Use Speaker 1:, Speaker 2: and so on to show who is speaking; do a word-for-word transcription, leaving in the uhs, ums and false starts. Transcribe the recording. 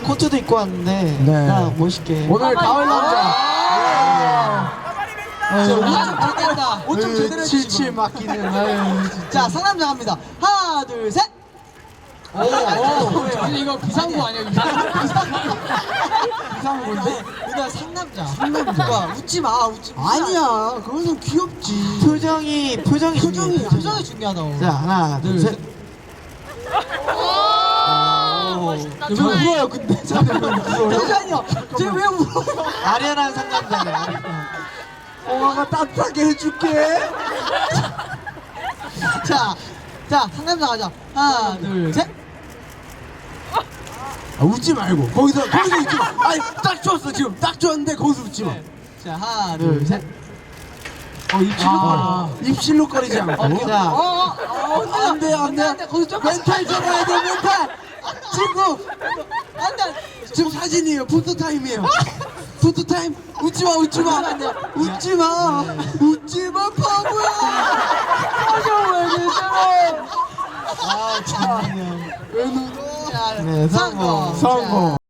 Speaker 1: 코트도 입고 왔는데
Speaker 2: 네.
Speaker 1: 나 멋있게.
Speaker 2: 오늘 가을 남자.
Speaker 3: 옷좀 제대로다. 옷좀 제대로
Speaker 2: 칠칠 맡기는. 아유,
Speaker 3: 자, 상남자 갑니다. 하나, 둘, 셋. 오, 오,
Speaker 4: 아니 이거 비상구 아니야 비상구?
Speaker 3: 이상한데? 누나 상남자. 상남자. 와, 웃지 마, 웃지 마.
Speaker 1: 아니야.
Speaker 3: 그거는 귀엽지.
Speaker 1: 표정이 표정이
Speaker 3: 표정이,
Speaker 1: 중요해,
Speaker 3: 표정이 중요하다고.
Speaker 1: 자 하나 둘 셋.
Speaker 5: 멋있다.
Speaker 3: 저 울어요, 근데. 잠시만요. 쟤왜 울어요?
Speaker 1: 아련한 상남자네.
Speaker 3: 엄마가 따뜻하게 해줄게. 자, 자, 상남자 가자. 하나, 둘, 셋.
Speaker 2: 아, 웃지 말고 거기서 거기서 웃지 마. 아니 딱 좋았어 지금 딱 좋았는데 거기서 웃지 마.
Speaker 3: 자, 하나,
Speaker 1: 둘
Speaker 3: 둘,
Speaker 1: 셋.
Speaker 2: 어 입실로
Speaker 3: 아.
Speaker 2: 거리. 입실로 거리지 않고.
Speaker 1: 자
Speaker 3: 어, 어, 어, 안 돼, 안 돼, 안 돼. 거기서 좀 멘탈 잡아야 돼, 멘탈. 친구, 안 돼.
Speaker 2: 지금 사진이에요. 포토 타임이에요. 포토 타임. 웃지 마, 웃지 마. 웃지 마. 웃지 마, 바보야.
Speaker 3: 표정을 제대로.
Speaker 1: 아, 정말.
Speaker 3: 자,
Speaker 1: 네, 성공.
Speaker 3: 성공.
Speaker 2: 성공.